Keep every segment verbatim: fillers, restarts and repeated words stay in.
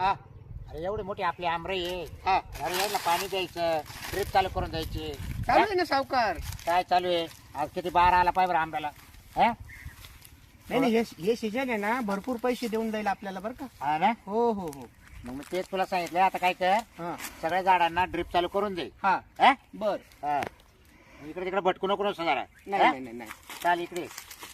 हा अरे एवढी मोठी आपली आमराई आहे. हा अरे यायला पाणी द्यायचं, ड्रिप चालू करून द्यायची. चालू आहे ना सावकार. काय चालू आहे? आज किती बारा आला पाहिजे आंब्याला. हा नाही नाही हे हे सीजन आहे ना भरपूर पैसे देऊन जाईल आपल्याला बरं का. हा ना. हो हो हो. मग मी तेच तुला सांगितलं. आता काय कर, हा सगळ्या झाडांना ड्रिप चालू करून दे. हा हा? बर. हा. इकडे तिकडे भटकू नको नुसतं जरा. नाही हा? नाही नाही नाही चाल इकडे.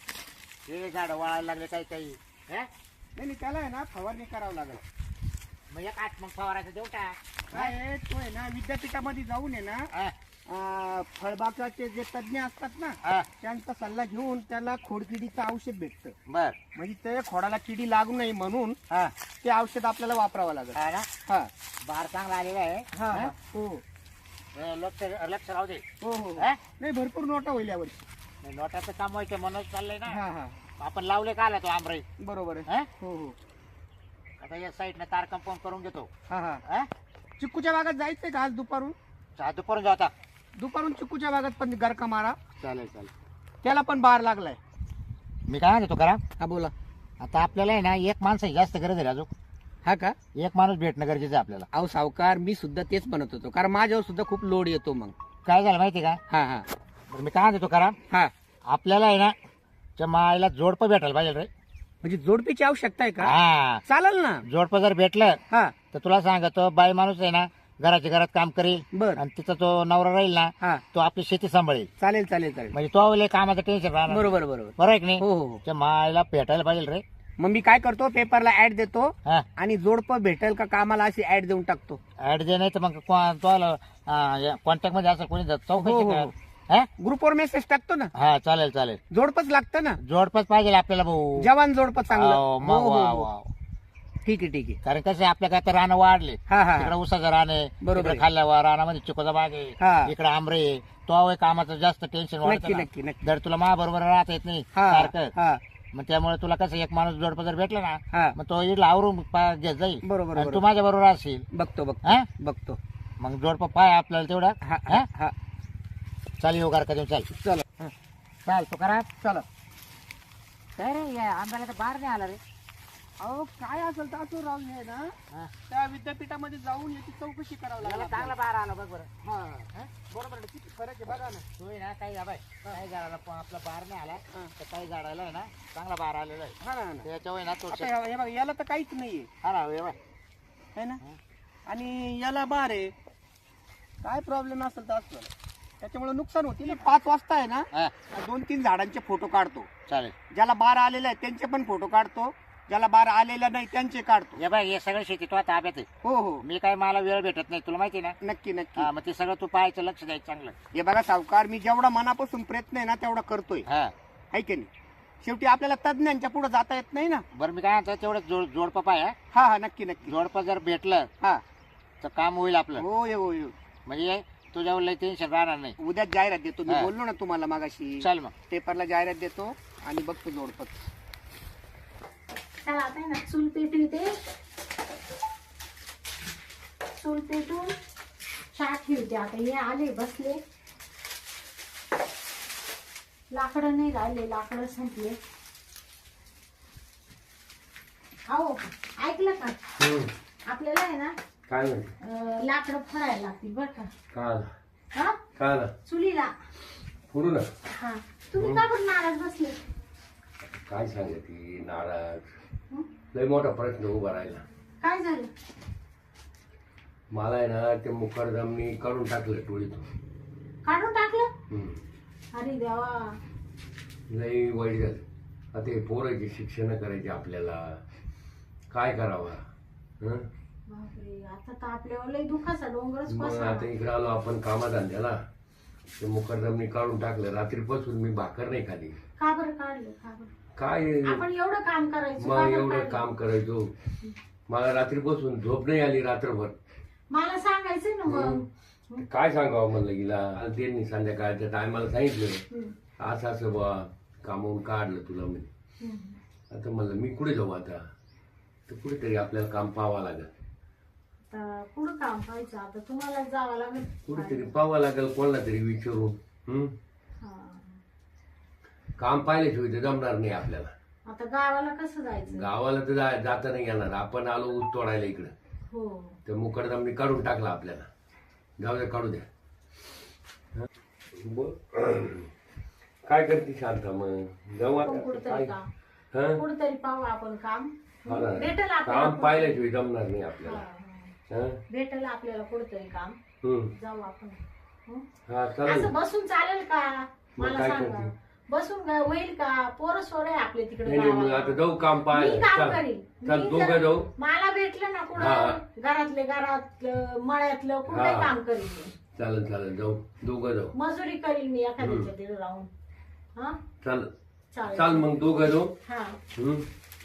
हे झाड वाळायला लागले काही काही. हा? नाही त्याला आहे ना फवारणी करावं लागेल. मग एक आठ मग फवारायचं देऊ टाक. काय आहे, तो आहे ना विद्यापीठामध्ये जाऊन आहे ना हा? अं, फळबागाचे जे तज्ञ असतात ना हा. त्यांचा सल्ला घेऊन त्याला खोडकिडीचं औषध भेटतं. बर. म्हणजे ते खोडाला किडी लागू नये म्हणून हा. ते औषध आपल्याला वापरावं लागेल. हा ना. हा बार चांगला आलेला आहे. हा हा? हो हे लक्ष लक्ष राहू दे. हो हो हा? नाही भरपूर नोटा होईल यावर्षी. नाही, नोटाचं काम व्हायचं म्हणून चाललंय ना. हा हा आपण लावले का आला तो आमराई. बरोबर आहे. हा? हो हो आता या साईडनं तार कंपाऊंड करून घेतो. हा हा हा? चिक्कूच्या बागात जायचंय का आज दुपारून? चहा दुपारून जाऊ आता. दुपारून चिक्कूच्या बागात पण गरका मारा. चालेल चालेल. त्याला पण बार लागलाय. मी काय म्हणतो करा, हा बोला. आता आपल्याला आहे ना एक माणसाची जास्त गरज आहे अजून. हा का? एक माणूस भेटणं गरजेचं आहे आपल्याला. अहो सावकार मी सुद्धा तेच म्हणत होतो कारण माझ्यावर सुद्धा खूप लोड येतो मग. काय झालं माहिती का? हा हा बरं मी काय म्हणतो करा, हा आपल्याला आहे ना त्या मायला जोडपं भेटायला पाहिजे रे. म्हणजे जोडपीची आवश्यकता आहे का? हा. चालेल ना. जोडपं जर भेटलं हा तर तुला सांगतो बाई माणूस आहे ना घराच्या घरात काम करेल बर. आणि तिचा तो नवरा राहील ना हा तो आपली शेती सांभाळेल. चालेल चालेल चालेल. म्हणजे तो लय कामाचं टेन्शन राहणार. बरोबर बरोबर. बरोबर आहे की नाही? हो हो हो. त्या मायला भेटायला पाहिजे रे. मग मी काय करतो पेपरला ऍड देतो हा. आणि जोडपं भेटेल का कामाला अशी ऍड देऊन टाकतो. ऍड दे नाही तर मग कॉन्टॅक्ट मध्ये असं कोणी हो, चौकशी हो, कर. हो. हा? ग्रुपवर मेसेज टाकतो ना. हा चालेल चालेल. जोडपच लागतं ना. जोडपच पाहिजे आपल्याला भाऊ. जवान जोडपं चांगलं. हो, हो, मग हो, वा, हो. वा. ठीक आहे ठीक आहे. कारण कसं आहे, आपल्या काय तर रानं वाढले. हा हा इकडे उसाचं रान आहे, बरोबर इकडे आहे. खाल्ल्या रानामध्ये चिकोचा बाग हा. आहे, इकडे आंबरे आहे. तो आहे कामाचं जास्त टेन्शन नक्की वाढतं नक्की ना. नक्की. जर तुला मा बरोबर राहता येत नाही हा सारखं, हा मग त्यामुळे तुला कसं एक माणूस जोडपं जर भेटला ना हा मग तो इडला आवरून पा- घेत जाईल. बरोबर आणि तू बरोबर. माझ्या बरोबर असेल. बघतो बघतो हा? बघतो. मग जोडपं पाय आपल्याला तेवढा. हा हा? हा हा चाल येऊ का देऊ चाल. चला चाल तू करा. चला. काय रे या आंब्याला तर बाहेर नाही आला रे. अहो काय असेल तर असं राहून आहे ना हा. त्या विद्यापीठामध्ये जाऊन याची चौकशी करावं याला लागेल चांगला बाहेर आला बघ बरं. हा हा? बरोबर आहे. किती फरक आहे बघा ना. तू आहे ना काही बाय काही झाडाला प- आपला बाहेर नाही आला हा. तर काही झाडाला आहे ना चांगला बाहेर आलेला आहे. हा ना हा ना. त्याच्यावर ना तो आता हे- हे बघा याला तर काहीच नाहीये हा ना हे बघ. है ना. आणि याला बार आहे. काय प्रॉब्लेम असेल तर असलं त्याच्यामुळे नुकसान होते ना. पाच वाजता आहे ना हा, दोन तीन झाडांचे फोटो काढतो. चालेल. ज्याला बार आलेला आहे त्यांचे पण फोटो काढतो. ज्याला बार आलेला नाही त्यांचे काढतो. हे बघ हे सगळं शेती तो ताब्यात आहे. हो हो मी काय मला वेळ भेटत नाही तुला माहिती आहे ना. नक्की नक्की. हा मग ते सगळं तू पाहायचं लक्ष द्यायचं चांगलं. हे बघा सावकार मी जेवढा मनापासून प्रयत्न आहे ना तेवढा करतोय. हा आहे की नाही. शेवटी आपल्याला तज्ञांच्या पुढे जाता येत नाही ना. बरं मी काय म्हणतो तेवढं जोड जोडपं पाय हा. हा हा नक्की नक्की. जोडपं जर भेटलं हा तर काम होईल आपलं. हो ये हो ये. म्हणजे तुझ्यावर लई टेन्शन राहणार नाही. उद्या जाहिरात देतो मी हा. बोललो ना तुम्हाला मागाशी. चल मग. पेपरला जाहिरात देतो आणि बघतो जोडपत. चला आता आहे ना चूल पेटवते. चूल पेटून चहा ठेवते. आता हे आले बसले. लाकडं नाही राहिले, लाकडं संपले. अहो ऐकलं का? आपल्याला आहे ना काय म्हणते अं, लाकडं फळायला लागतील बर का. काल हा काल चुलीला. पुढू ना हा तुम्ही का पण नाराज बसले? काय सांगते नाराज हं? लय मोठा प्रश्न उभा राहिला. काय झालं? मला आहे ना ते मुखर्दमनी काढून टाकलं टोळीतून. काढून टाकलं? हम्म. अरे देवा. लय वाईट झालं. आता हे पोराची शिक्षण करायची आपल्याला काय करावं. हं? बापरे आता तर आपल्यावर लय दुखाचा डोंगरच मग पसरला. आता इकडे आलो आपण कामाधंद्याला. ते मुखर्दमनी काढून टाकलं. रात्रीपासून मी भाकर नाही खाली. का बरं काढलं? का बरं? काय आपण एवढं काम करायचं का मग बरं एवढं काढलं? काम करायचो. मला रात्रीपासून झोप नाही आली रात्रभर. मला सांगायचं ना मग. काय सांगावं म्हणलं गेला त्यांनी संध्याकाळच्या टायमाला सांगितलं हम्म, असं असं बा कामावून काढलं तुला म्हणे. हम्म. आता म्हणलं मी कुठे जाऊ आता. तर कुठेतरी आपल्याला काम पाहावं लागेल. आता पुढं काम पाहायचं. आता तुम्हाला जावं लागेल. कुठेतरी पाहावं लागेल कोणाला तरी विचारून. हम्म हा. काम पाहिल्याशिवाय तर जमणार नाही आपल्याला. आता गावाला कसं जायचं? गावाला तर जा- जाता नाही येणार. आपण आलो ऊस तोडायला इकडं, हो तर मुकडदामनी काढून टाकला आपल्याला. जाऊ द्या, काढू द्या. हं? ब- काय करते शांता मग? जाऊ आपण आता कुठतरी काय? काम हं? कुठतरी पाहू आपण काम. हा ना. भेटल काम आपल्याला पाहिल्याशिवाय जमणार नाही हा, आपल्याला. हा. हं? भेटल आपल्याला कुठतरी काम. हं. जाऊ आपण. हं? हा चालेल. असं बसून चालेल का? मग मला काय सांगा. करते? बसून काय होईल का? पोरं सोर आहे आपले तिकडे नाही नाही, मग गावाला. आता जाऊ काम मी पाहायला. काम चल. करीन. चल मी दोघं जर- जाऊ. मला भेटलं ना हा. कुठं घरातले घरातलं मळ्यातलं कुठे हा. काम करीन मी. चालेल चालेल, जाऊ दोघं जाऊ. मजुरी करीन मी एखाद्याच्या तिथे राहून. हा चाल चालेल. चाल मग दोघं जाऊ. हा हं?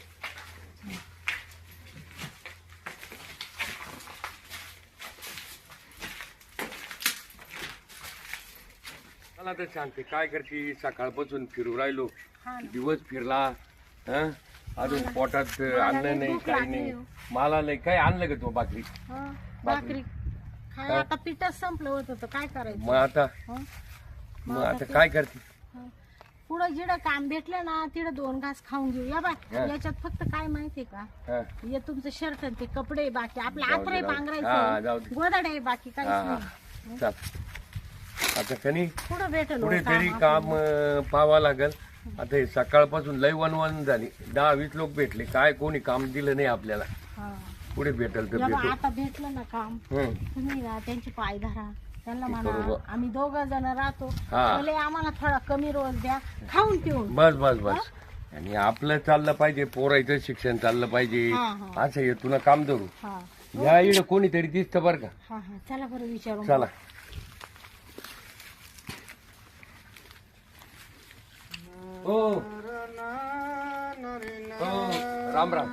मला तर सांगते काय करते. सकाळपासून फिरू राहिलो, हा ना. दिवस फिरला. हं? अजून पोटात मला अन्न लई नाही, भूक काही लागली नाही. हो. मला नाही काय आणलं का तो भाकरी. हा, भाकरी काय हा. आता पिठच संपलं होतं तर काय करायचं? मग आता हं? मग आता काय करते. हं. पुढं जिडं काम भेटलं ना तिडं दोन घास खाऊन घेऊ. या बाय हा. याच्यात फक्त काय माहितीये का? हं? हे तुमचं शर्ट आणि ते कपडे बाकी आपलं जाऊ दे, आत्रे जाऊ दे. हा, पांघरायचं जाऊ दे. गोदाड आहे बाकी हा काहीच हा नाही. चाल. आता कनी पुढं भेटल हो कुठेतरी काम काम आपल्याला. अं, पाहावं लागल. आता हे सकाळपासून लय वनवन झाली. दहा वीस लोक भेटले, काय कोणी काम दिलं नाही आपल्याला. हा. पुढे भेटल तर या बा, भेटू. आता भेटलं ना काम हं. तुम्ही ना त्यांची पाय धरा. त्यांना ते म्हणा करू बा. आम्ही दोघं जण राहतो हा. भले आम्हाला थोडा कमी रोज द्या खाऊन पिऊन. बस बस बस. आणि आपलं चाललं पाहिजे, पोरायचं शिक्षण चाललं पाहिजे. हा, हा. असं हे तुला काम धरू. हा या इकडे कोणीतरी दिसतं बरं का. हा हा चला बरं विचारू. चला. हो हो, राम राम.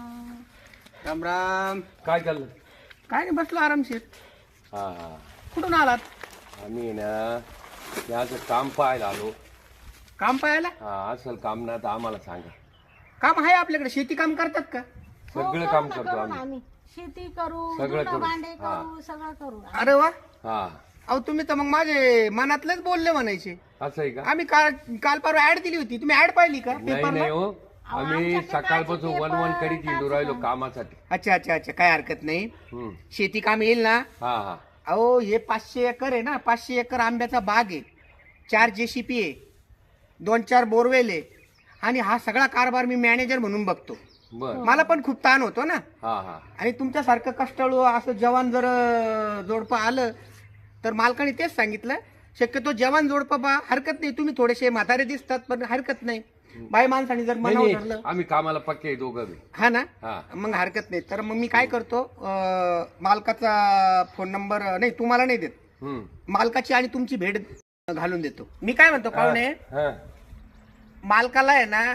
राम राम. काय चाललं. काय नाही, बसलो आरामशीर. हा हा. कुठून आलात? आम्ही ना याचं काम पाहायला आलो. काम पाहायला? हा, असल काम ना तर आम्हाला सांगा. काम आहे आपल्याकडे. शेती काम करतात का? हो, सगळं करू काम ना, करतो करू ना आम्ही. आम्ही शेती करू सगळं धुणं करू. भांडे हा. करू सगळं करू. अरे वा. हा, अहो तुम्ही तर मग माझे मनातलेच बोलले म्हणायचे. असं आहे का. आम्ही काल काल परवा ऍड दिली होती, तुम्ही ऍड पाहिली का नाही पेपरला? नाही हो, आम्ही आमच्याकडे सकाळपासून कायचे वन वन पेपर, करीत कायचं येऊ राहिलो काम? कामासाठी. अच्छा अच्छा अच्छा, काय हरकत नाही. हम्म. शेती काम येईल ना. हा हा. अहो हे पाचशे एकर आहे ना, पाचशे एकर आंब्याचा बाग आहे, चार जेसीपी आहे, दोन चार बोरवेल आहे, आणि हा सगळा कारभार मी मॅनेजर म्हणून बघतो. बर. मला पण खूप ताण होतो ना. हा हा. आणि तुमच्यासारखं कष्टाळू असं जवान जर अं, जोडपं आलं तर मालकाने तेच सांगितलं, शक्यतो जवान जोडपं बा, हरकत नाही. तुम्ही थोडेसे म्हातारे दिसतात पण हरकत नाही. बाई माणसाने जर नाही, मनावर नाही, धरलं आम्ही कामाला पक्के आहे दोघं बी. हा ना, हा. मग हरकत नाही. तर मग मी काय करतो, अं, मालकाचा फोन नंबर नाही तुम्हाला नाही देत, हम्म. मालकाची आणि तुमची भेट घालून देतो. मी काय म्हणतो पाहुणे, हा. मालकाला आहे ना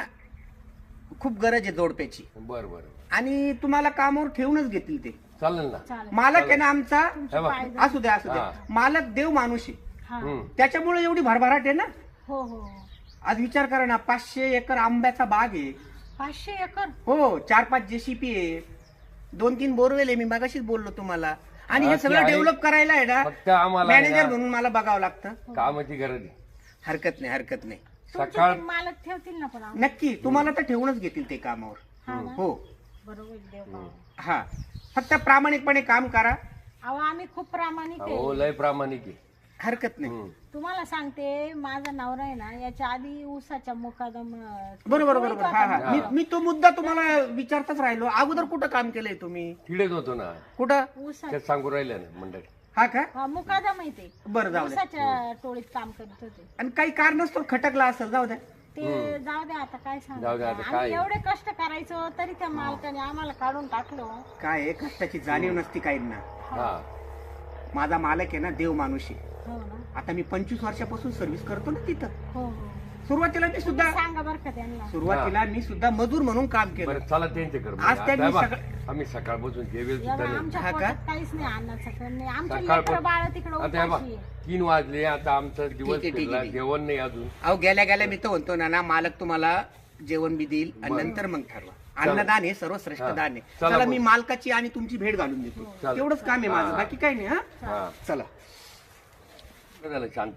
खूप गरज आहे जोडप्याची, बर बर. आणि तुम्हाला कामावर ठेवूनच घेतील ते. चालेल ना. चालेल. मालक आहे ना आमचा, तुमचे हे बघ. पाय धर. असू द्या असू द्या, हा. मालक देव माणूस आहे, हा. हम्म. त्याच्यामुळे एवढी भरभराट आहे ना. हो हो आज विचार करा ना, पाचशे एकर आंब्याचा बाग आहे, पाचशे एकर. हो, चार पाच जेसीपी आहे, दोन तीन बोरवेल आहे, मी मगाशीच बोललो तुम्हाला. आणि हा, हे ते सगळं आहे. डेव्हलप करायला आहे ना, फक्त आम्हाला आहे मॅनेजर ना, म्हणून मला बघावं लागतं. कामाची गरज आहे. हरकत नाही हरकत नाही, तुमचे सकाळ- ते मालक ठेवतील ना पण आम्हाला. नक्की तुम्हाला तर ठेवूनच घेतील ते कामावर. हा ना? हो बरोबर देव पावो. हा, फक्त प्रामाणिकपणे काम करा. अहो आम्ही खूप प्रामाणिक हो, आहे. लय प्रामाणिक आहे. हरकत नाही. हम्म. तुम्हाला सांगते माझा नवरा आहे ना याच्या आधी ऊसाच्या मुकादम अं, बरोबर तोडीत बरोबर. होता हा हा, ना. मी मी तो मुद्दा तुम्हाला विचारताच राहिलो. अगोदर कुठं काम केलंय तुम्ही? तिकडेच होतो ना, कुठं? ऊसा त्यात सांगू राहिलं ना मंडळी. हा का? हा, मुकादम आहे ते. बरं जाऊ द्या. ऊसाच्या टोळीत काम करत होते आणि काही कारणास्तव खटकला असेल, जाऊ द्या. ते. जाऊ दे आता काय जाऊ दे आता सांगायचं, काय. आम्ही एवढे कष्ट करायचो तरी त्या मालकाने आम्हाला काढून टाकलो. काय आहे, कष्टाची जाणीव नसती काहींना. हा. माझा मालक आहे ना देव माणूस आहे. हो ना. आता मी पंचवीस वर्षापासून सर्व्हिस करतो ना तिथं. हो हो सुरुवातीला मी सुद्धा सांगा बरं का त्यांना. सुरुवातीला मी सुद्धा मजूर म्हणून काम केलं. बरं चला त्यांचे कर. आज त्यांनी सगळं- आम्ही सकाळपासून जेवेल या सुद्धा बा, नाही. आमच्या हा का? पोटात काहीच नाही अन्नाचं पण नाही. आमच्या सकाळपासून- लेकरं बाळ तिकडे आता हे बघ, उपाशी आहे. तीन वाजले, आता आमचा दिवस ठीक आहे, ठीक आहे, फिरला, ठीक आहे. जेवण नाही अजून. अहो गेल्या गेल्या मी तर म्हणतो ना ना मालक तुम्हाला जेवण बी देईल आणि बरं. नंतर मग ठरवा. अन्नदान हे सर्वश्रेष्ठ हा. दान आहे. चला चला मग. मी मालकाची आणि तुमची भेट घालून देतो. चालेल. तेवढंच काम आहे माझं, हा. बाकी काही नाही. हा हा. चला. काय झालं शांता?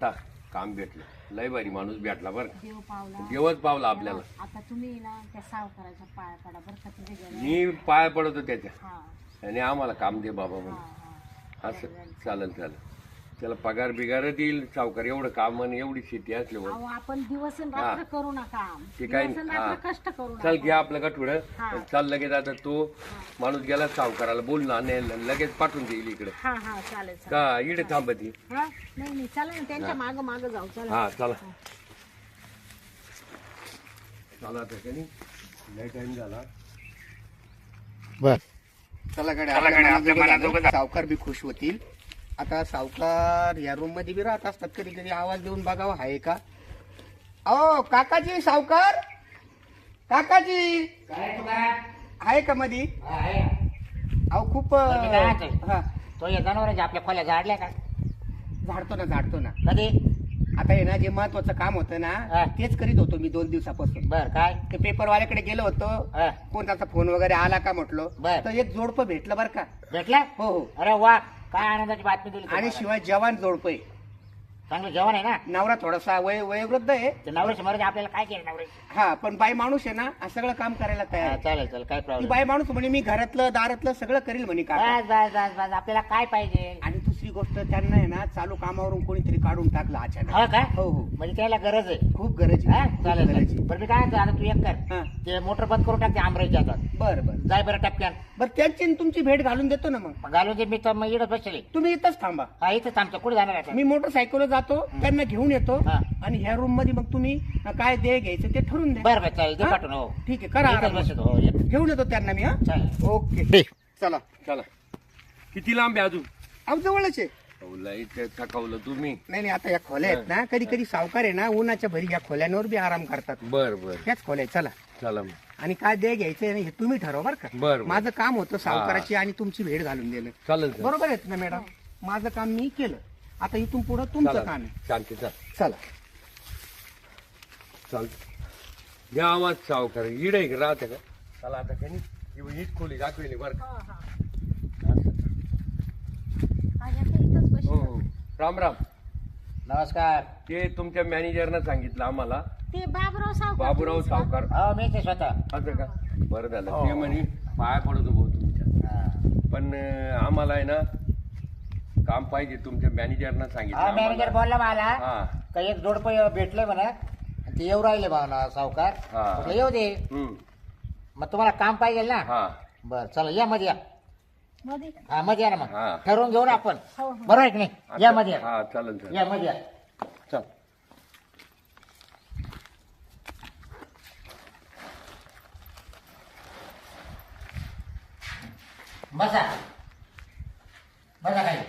काम भेटलं लय भारी माणूस भेटला बरं का. देव पावला देवच पावला आपल्याला. आता तुम्ही ना त्या सावकाराच्या पाया पडा बरं का तिथे गेले. मी पाय पडतो त्याच्या हा आणि आम्हाला काम दे बाबा हा म्हणून. हा असं चालेल चालेल. त्याला पगार बिगार देईल सावकार. एवढं काम आणि एवढी शेती असल्यावर अहो आपण दिवस आणि रात्र करू नका. ते काय दिवस आणि हा रात्र कष्ट करू चल नका. घ्या आपलं गठुड हा. चाल लगेच. आता तो माणूस गेला सावकाराला बोल आणि लगेच पाठवून देईल इकडे. हा हा चालेल चालेल. का इकडे थांबती. हा नाही नाही चला ना त्यांच्या माग माग जाऊ चला. हा चला चला आता का नाही लय टाइम झाला. बर चला कडे आपल्या मनाजोगं सावकार बी खुश होतील. आता सावकार या रूम मध्ये बी राहत असतात. कधी कधी आवाज देऊन बघावं आहे का. अहो काकाजी सावकार काकाजी आहे का मधी. अहो खूप बरं, मी काय म्हणतोय? हा तो या जनावरांच्या आपल्या खोल्या झाडल्या का झाडतो ना झाडतो ना. कधी आता हे ना जे महत्वाचं काम होतं हा. ना तेच करीत होतो मी दोन दिवसापासून. बर काय ते पेपरवाल्याकडे गेलो होतो. हा. कोणताचा फोन वगैरे आला का म्हटलो बर. तर एक जोडपं भेटलं बरं का. भेटला हो हो अरे वा काय आनंदाची बातमी दिली आणि तुम्हाला. शिवाय जवान जोडपं आहे. चांगलं जेवण आहे ना. नवरा थोडासा वय वयोवृद्ध आहे. ते नवऱ्याची मर्जी आपल्याला काय केलं नवऱ्याची. हा पण बाई माणूस आहे ना हा सगळं काम करायला तयार हा, आहे. चालेल चालेल काय ती प्रॉब्लेम. बाई माणूस म्हणे मी घरातलं दारातलं सगळं करील म्हणे का. बस बस बस बस आपल्याला काय पाहिजे. आणि दुसरी गोष्ट त्यांना आहे ना चालू कामावरून कोणीतरी काढून टाकलं अचानक. हो का हो हो म्हणजे त्याला गरज आहे. खूप गरज हा आहे. खूप चालेल गरज आहे. चालेल. बरं मी काय म्हणतो, आता तू एक कर हा ते मोटर बंद करून टाकते आमराईच्या हातात. बरं बरं जाय बरं टपक्यान बरं त्यांची आणि तुमची भेट घालून देतो ना मग. मग घालून दे. मी तर मग इकडे बसले. तुम्ही इथंच थांबा. हा इथंच आमचं कुठे जाणार आता. मी मोटरसायकलवर जातो त्यांना घेऊन येतो. हा. आणि ह्या रूम मध्ये मग तुम्ही काय दे घ्यायचं ते ठरवून द्या. बरं बरं चालेल दे हा? पाठवून. हो ठीक आहे करा इथंच आराम. बसतो. हो ये. घेऊन येतो त्यांना मी. हा चालेल ओके चला. चला किती लांब आहे अजून. अहो जवळच आहे. अहो, लई ते थकवलं तुम्ही. नाही नाही आता या खोल्या आहेत ना कधी कधी सावकार आहे ना उन्हाच्या भरी या खोल्यांवर बी आराम करतात. बर बर त्याच खोल्या आहेत. चला चला मग. आणि काय दे घ्यायचं हे तुम्ही ठरवा बरं का. बर बर. माझं काम होतं सावकाराची आणि तुमची भेट घालून देणं. चालेल चालेल. बरोबर आहेत ना मॅडम. माझं काम मी केलं. आता इथून पुढे तुमचं चला. काम आहे. शांती चल चला चाल घ्या आवाज सावकार इडे राहते का. चला आता काही नाही हीच खोली दाखवेली बरं का. हा, हा. असं. आणि आता इथंच बसू. हो हो राम राम. नमस्कार. ते तुमच्या मॅनेजरनं सांगितलं आम्हाला ते बाबुराव सावकार. बाबूराव तुम्हीच ना? सावकार. हो मी ते स्वतः. असं का बरं झालं. हो. ते म्हणे पाया पडतो भाऊ तुमच्या. हा. पण अं, आम्हाला आहे ना काम पाहिजे. तुमच्या मॅनेजरनं सांगितलं हा मॅनेजर आम्हाला. बोलला मला हा का एक जोडपं भेटले म्हणा ते येऊ राहिले भावना सावकार. हा. म्हटलं येऊ दे. हम्म. मग तुम्हाला काम पाहिजे ना. हा बर चला या मध्ये या. मध्ये. हा मध्ये या ना मग हा. ठरवून घेऊ ना आपण. हो हो. बरोबर आहे की नाही. या मध्ये या. हा चालेल चालेल. या मध्ये या. चल बसा बसा काही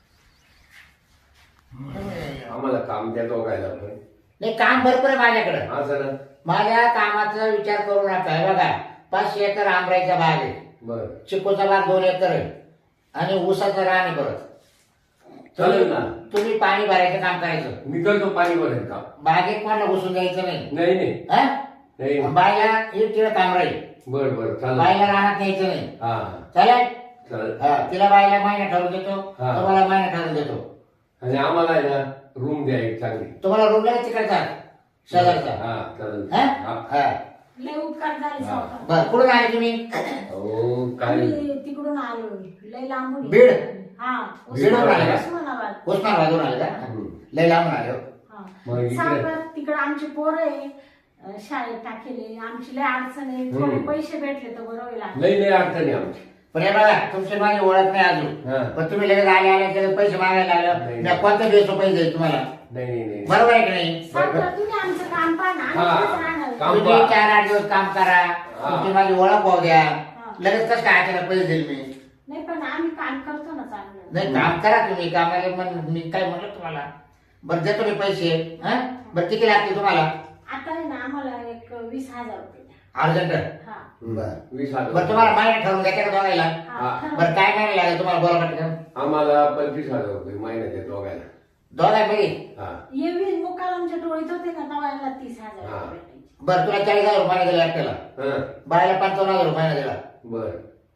आम्हाला काम द्या दोघायला पण. नाही काम भरपूर आहे माझ्याकडे. हा सर माझ्या कामाचा विचार करू नका. हे बघा पाचशे एकर आंबराईचा बाग आहे. बर चिकूचा बाग दोन एकर आहे आणि ऊसाचं रान आहे परत. चालेल ना. तुम्ही पाणी भरायचं काम करायचं. मी करतो पाणी भरेल का. बागेत कोणाला घुसून द्यायचं नाही. नाही नाही हा? नाही बायला एक तिला काम राहील. बर बर चालेल. बायला रानात न्यायचं नाही. हा चालेल. चालेल. हा, तिला बायला महिना ठरवून देतो. हा. तुम्हाला महिना ठरवून देतो. आणि आम्हाला आहे ना रूम द्या एक चांगली. तुम्हाला रूम लागेल तिकडचा शेजारचा. हा चालेल. हा? हा. हा. लय उपकार झाले सावकार. बरं कुठून आले तुम्ही. हो काय आम्ही तिकडून आलो. लय लांबून. बीड? हा बीडवरून आले का? उस्मानाबाद. उस्मानाबादून आले का. हम्म. लय लांबून आले हो. हा. मग इकडे- सावकार तिकडे आमची पोरं आहे अं, शाळेत टाकेले. आमची लय अडचण आहे. थोडे हम्म. पैसे भेटले तर बरं होईल. नाही नाही अडचणी आमची. पण हे बघा तुमची माझी ओळख नाही अजून. हा. पण तुम्ही लगेच आले आले त्याला पैसे मागायला लागलं. नाही. मी कोणत्या दिवस पैसे देईल तुम्हाला. नाही नाही नाही. बरोबर आहे की नाही. सावकार तुम्ही आमचं काम पाहा ना. हा. आम्ही तिथेच राहणार. काम तुम्ही पहा. चार आठ दिवस काम करा. तुमची माझी ओळख होऊ द्या. लगेच कसं काय अचानक पैसे देईल मी. नाही पण आम्ही काम करतो ना चांगलं. नाही काम करा तुम्ही. कामाला मन- मी काय म्हणलं तुम्हाला. बरं देतो मी पैसे. हा बरं किती लागतील तुम्हाला. आता आहे ना आम्हाला एक वीस हजार रुपये द्या. अर्जंट. हा बरं वीस हजार. बरं तुम्हाला महिना ठरवून द्या का बघायला. हा ठरवा. बरं काय महिना लागेल तुम्हाला बोला पटकन. आम्हाला पंचवीस हजार रुपये महिन्यात आहे दोघायला. दोघांमध्ये. हा येवी मुकालामच्या टोळीत होते ना तेव्हा तीस हजार हा. रुपये भेटायचे. बरं तुला चाळीस हजार रुपये दिला एकट्याला. हा बायला पंचावन्न हजार रुपये दिला. बर.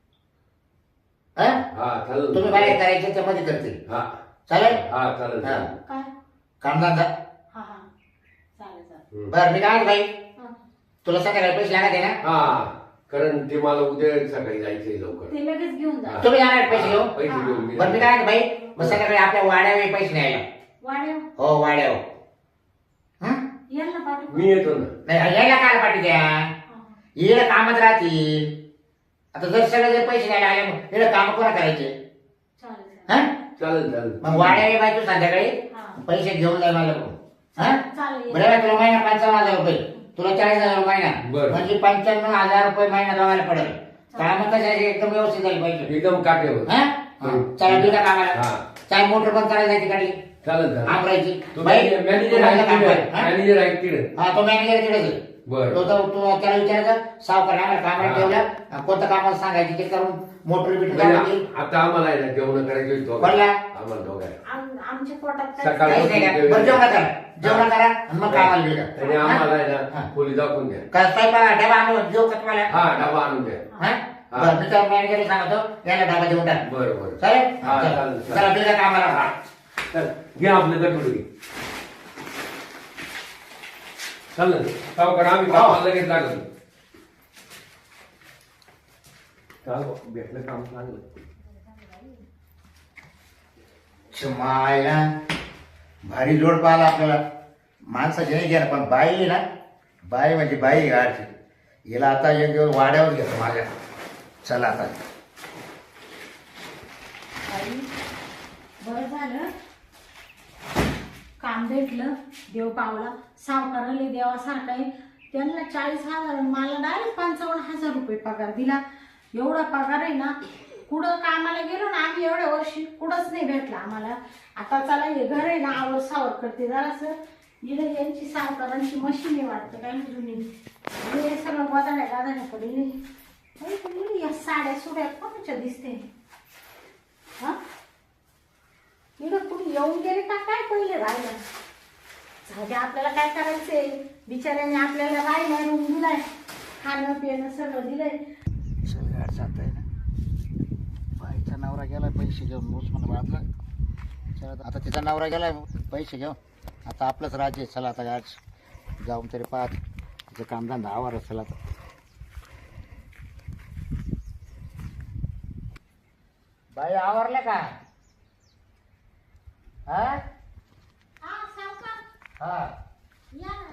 हा हा चालेल. तुम्ही बाहेर करायचे ते मध्ये करतील. हा चालेल. हा चालेल हा. चालेल. काय कामधंदा बरं मी काय म्हणतो बाई हा. तुला संध्याकाळी पैसे लागत आहे ना हा कारण ते मला उद्या सकाळी जायचंय लवकर. ते लगेच घेऊन जा. तुम्ही जाणार आहेत पैसे घेऊन पैसे घेऊन मी बरं मी काय म्हणतो बाई मग संध्याकाळी आपल्या वाड्यावर पैसे न्यायला वाड्या हो वाड्यावर हा यांना पाठव. मी येतो ना. नाही यायला काय पाठी द्या येणं कामच राहतील. आता जर सगळे जर पैसे न्यायला आले मग येणं काम कोणा करायचे चालेल हा चालेल चालेल. मग वाड्यावर बाई तू संध्याकाळी हा. पैसे घेऊन जाय माझ्याकडून हा चालेल. बरं बाई, तुला महिना पंचावन्न हजार रुपये तुला चाळीस हजार महिना बरं. म्हणजे पंच्याण्णव हजार रुपये महिना लावायला पडेल. काम कशाचे एकदम व्यवस्थित झाली पाहिजे एकदम काटेवर. हा चला बिगा कामाला हा. चाय मोटर बंद करायला जायची गाडी चालेल चालेल. आमरायची तुम्ही मॅनेजर आहे काम तिकडे. कर, हा? मॅनेजर आहे तिकडे. हा तो मॅनेजर तिकडेच आहे. बरं. तो तो तो त्याला विचारायचं सावकार आम्हाला कामाला हा. ठेवलं कोणतं कामाला सांगायची ते करून मोटर बिटर म्हणजे काढायची. आता आम्हाला आहे ना जेवण करायचे होते. कोणला? आम्हाला दोघांना. आम- आमच्या पोटात काय- सकाळी- काहीच नाही का? बरं जेवण करा जेवण करा आणि मग कामाला आणि गेलं आम्हाला आहे हा. ना खोली दाखवून द्या. काय स्वयंपाक डबा आणून देऊ का तुम्हाला हा डबा आणून द्या. हा? हा. बरं मी तर मॅनेजरला सांगतो याला डबा देऊन टाक बरं बरं. चालेल हा, चला. चालेल, चालेल. चला बिगा कामाला हा. चल घ्या आपलं गटुडे घे. चालेल सावकार आम्ही कामाला लगेच लागलो. चाल भेटलं काम चांगलं. मायला भारी जोड पाहिला आपल्याला माणसाची नाही घ्या पण बाई आहे ना बाई म्हणजे बाई गाडची हिला आता एक दिवस वाड्यावर घेतो माझ्या चला आता आई, बरं झालं काम भेटलं देव पावला सावकाराले देवासारखा आहे. त्यांना चाळीस हजार आणि मला डायरेक्ट पंचावन्न हजार रुपये पगार दिला. एवढा पगार आहे ना कुठं कामाला गेलो ना आम्ही एवढ्या वर्षी कुठंच नाही भेटला आम्हाला. आता चला हे घर आहे ना आवर सावर करते जरासं इकडे यांची सावकारांची मशीन आहे वाटतं काय जुनी हे सगळं बदाड्या गादाड्या पडले. या साड्या सुड्या कोणाच्या दिसते हा इकडं कुठे येऊन गेले का काय पहिले राहिलं जाऊ दे आपल्याला काय करायचंय बिचाऱ्याने आपल्याला राहिला रूम दिलाय खाणं पिणं सगळं दिलंय. गाड जात आहे ना बाईचा नवरा गेला पैसे घेऊन मूस म्हणून बांधला चला आता तिचा नवरा गेला पैसे घेऊन आता आपलंच राज्य आहे. चला आता गाड जाऊन तरी पाहत तिचं कामधंदा आवार चला आता बाई आवरलं का हा हा सावकार हा या ना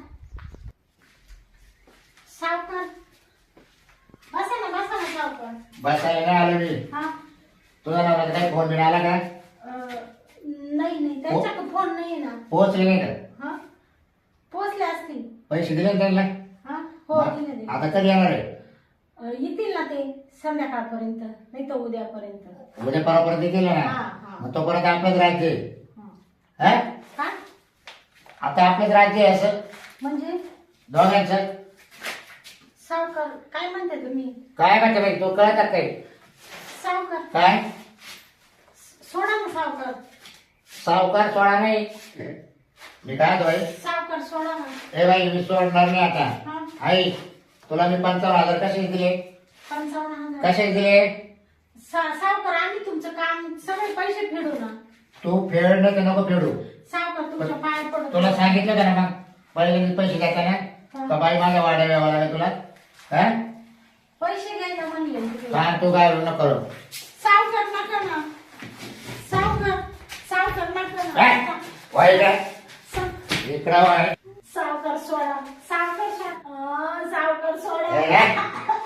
सावकार बसा ना बसा ना सावकार. बसायला नाही आलो मी हा तुझा नवरा काही फोन बिन आला का अं, नाही नाही त्यांच्याकडे फोन नाही ना. पोहोचले नाही का हा पोचले असतील. पैसे दिले ना त्यांना हा हो दिले दिले. आता कधी येणार आहे अं, येतील ना ते संध्याकाळपर्यंत नाही तर उद्यापर्यंत. उद्या परवापर्यंत केलं हा, ना हा. मग तोपर्यंत आपलंच राज्य आहे. हा. हा काय आता आपलंच राज्य आहे असं म्हणजे दोघांचं सावकार काय म्हणते तुम्ही काय म्हणते बाई तो कळतात काही सावकार काय सोडा ना सावकार सावकार सोडा नाही मी काय म्हणतो बाई सावकार सोडा ना. ए बाई मी सोडणार नाही आता हा आई तुला मी पंचावन्न हजार कसे दिले पंचावन्न हजार. कसे दिले सा- सावकार आम्ही तुमचं काम सगळे पैसे फेडू ना. तू फेड नाही तर नको फेडू सावकार तुमच्या पाया पडतो. तुला सांगितलं का ना मग पहिले पैसे देताना का बाई माझ्या वाड्या यावं लागेल तुला हा पैसे घ्यायला म्हणले ना तुम्ही. सांग तू काय नको करू सावकार नका ना सावकार सावकार नका काय ना. वाईट आहे सा- इकडं वाय सावकार सोडा सावकार सोडा अं, सावकार सोडा. ए, ए.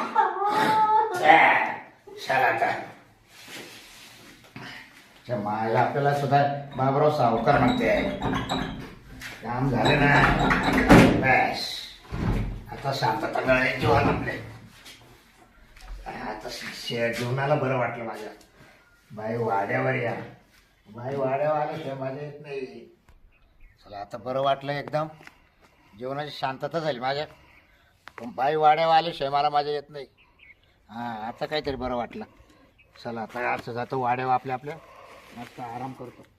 चला आता च्या मायला आपल्याला सुद्धा बाबराव सावकार म्हणते काम झालं ना बस आता शांतता मिळाली जीवन आपले आता शे- जीवनाला बरं वाटलं माझ्या बाई वाड्यावर या बाई वाड्यावर आल्याशिवाय माझ्या येत नाही चला आता बरं वाटलं एकदम जीवनाची शांतता झाली माझ्या पण बाई वाड्यावर आल्याशिवाय मला माझ्या येत नाही हां आता काहीतरी बरं वाटलं चला आता असं जातो वाड्यावर आपल्या आपल्या मस्त आराम करतो